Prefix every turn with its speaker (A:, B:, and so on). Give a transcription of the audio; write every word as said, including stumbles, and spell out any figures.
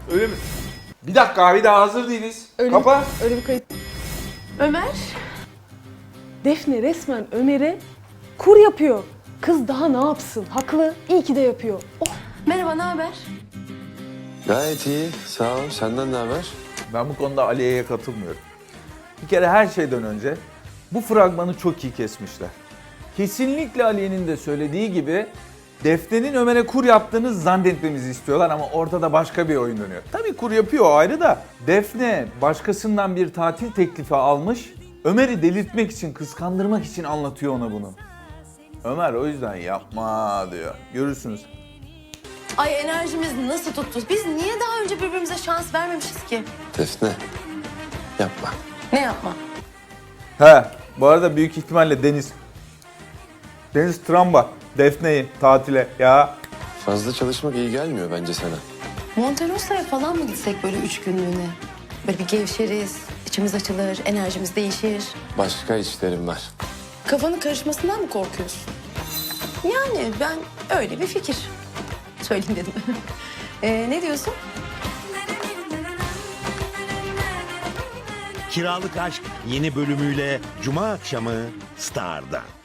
A: Öyle mi? Bir dakika bir daha hazır değiliz.
B: Öyle,
A: Kapa.
B: öyle bir kayıt.
C: Ömer.
B: Defne resmen Ömer'e kur yapıyor. Kız daha ne yapsın? Haklı. İyi ki de yapıyor. Oh.
C: Merhaba, ne haber?
D: Gayet iyi. Sağ ol. Senden ne haber?
A: Ben bu konuda Aliye'ye katılmıyorum. Bir kere her şeyden önce bu fragmanı çok iyi kesmişler. Kesinlikle Aliye'nin de söylediği gibi Defne'nin Ömer'e kur yaptığını zannetmemizi istiyorlar ama ortada başka bir oyun dönüyor. Tabii kur yapıyor o ayrı da Defne başkasından bir tatil teklifi almış. Ömer'i delirtmek için, kıskandırmak için anlatıyor ona bunu. Ömer o yüzden yapma diyor. Görürsünüz.
C: Ay enerjimiz nasıl tuttu? Biz niye daha önce birbirimize şans vermemişiz ki?
D: Defne. Yapma.
C: Ne yapma?
A: He, bu arada büyük ihtimalle Deniz. Deniz Tramba, Defne'yi tatile ya.
D: Fazla çalışmak iyi gelmiyor bence sana.
C: Monterosa'ya falan mı gitsek böyle üç günlüğüne? Böyle bir gevşeriz, içimiz açılır, enerjimiz değişir.
D: Başka işlerim var.
C: Kafanın karışmasından mı korkuyorsun? Yani ben öyle bir fikir söyleyeyim dedim. ee, ne diyorsun?
E: Kiralık Aşk yeni bölümüyle Cuma akşamı Star'da.